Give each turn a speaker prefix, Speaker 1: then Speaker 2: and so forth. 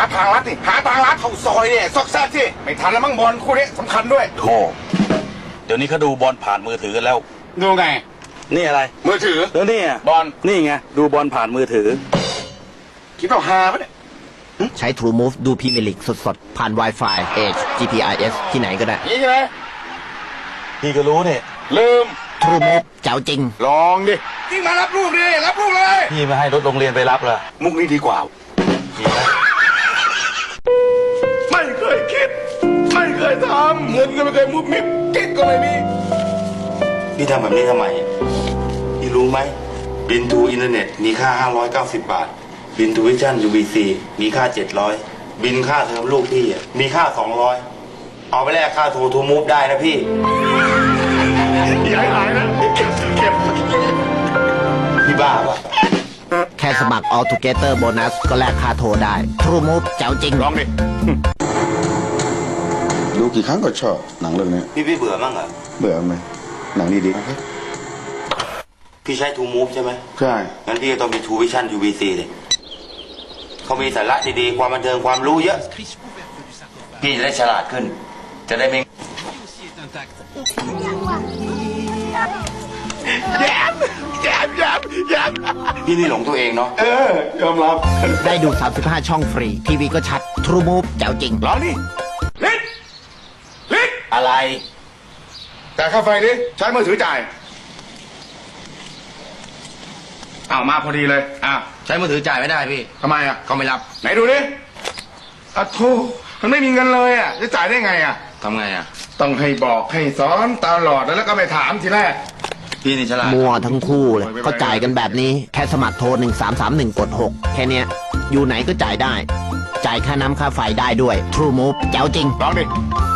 Speaker 1: ทางลัดนี่หาทางลัดเข้าซอยเนี่ยซอกแซกที่ไม่ทันแล้วมั้งบอลคู่นี้สำคัญด้วย
Speaker 2: โธ่เดี๋ยวนี้เขาดูบอลผ่านมือถือกันแล้ว
Speaker 1: ดูไง
Speaker 2: นี่อะไร
Speaker 1: มือถือ
Speaker 2: แล้วนี่
Speaker 1: บอล
Speaker 2: นี่ไงดูบอลผ่านมือถือ
Speaker 1: คิดว่าฮาปะเนี่ย
Speaker 3: ใช้ True Move ดูพรีเมียร์ลีกสดๆ ผ่าน Wi-Fi Edge GPRS ที่ไหนก็ได้
Speaker 1: นี่ใช่ไหม
Speaker 2: พี่ก็รู้เนี่ย
Speaker 1: ลืม
Speaker 3: True Move เจ๋วจริง
Speaker 1: ลองดิยิ่งมารับลูกดิรับลูกเลย
Speaker 2: พี่มาให้รถโรงเรียนไปรับเหรอ
Speaker 1: มุกนี้ดีกว่าไม่เคยคิดไม่เคยทำเงินก็ไม่เคยมุบมิบกิ๊กก็ไม่มี
Speaker 4: พี่ทำแบบนี้ทำไมพี่รู้ไหมบินทูอินเทอร์เน็ตมีค่า590 บาทบินทูวิชั่น UVC มีค่า700บินค่าเทอมลูกพี่มีค่า200เอาไปแลกค่าโทรทูมูฟได้นะพี่
Speaker 1: อย่าให้หายนะเก็บ
Speaker 4: พี่บ้าปะ
Speaker 3: แค่สมัคร All Together Bonus ก็แลกค่าโทรได้ True Move เจ๋วจริง
Speaker 1: ลองดิ
Speaker 5: ดูกี่ครั้งก็ชอบหนังเรื่องนี้
Speaker 4: พี่เบื่อมั้งเหรอ
Speaker 5: เบื่อไหมหนังดี
Speaker 4: พี่ใช้ทูมูฟใช่ไหม
Speaker 5: ใช่
Speaker 4: งั้นพี่ก็ต้องมีทูวิชั่น UVC เลยเขามีสาระดีๆความบันเทิงความรู้เยอะพี่จะได้ฉลาดขึ้นจะได้ไม่
Speaker 1: แย้ม
Speaker 4: พี่นี่หลงตัวเองเนาะ
Speaker 1: ยอมรับ
Speaker 3: ได้ดู35ช่องฟรีทีวีก็ชัด True Move เจ๋วจริง
Speaker 1: ลองดิลิก
Speaker 4: อะไร
Speaker 1: แต่ค่าไฟดิใช้มือถือจ่ายอ้าวมาพอดีเลย
Speaker 4: ใช้มือถือจ่ายไม่ได้พี่
Speaker 1: ทำไม
Speaker 4: เขาไม่รับ
Speaker 1: ไหนดูดิโธ่มันไม่มีเงินเลยจะจ่ายได้ไง
Speaker 4: ทำไง
Speaker 1: ต้องให้บอกให้สอนตลอดแล้วก็ไม่ถามทีแรก
Speaker 4: พี่นี่ฉลาด
Speaker 3: มัวทั้งคู่เลยก็จ่ายกันแบบนี้แค่สมัครโทร1331กด6แค่เนี้ยอยู่ไหนก็จ่ายได้จ่ายค่าน้ำค่าไฟได้ด้วย True Move เจ๋วจริง
Speaker 1: ลองดิ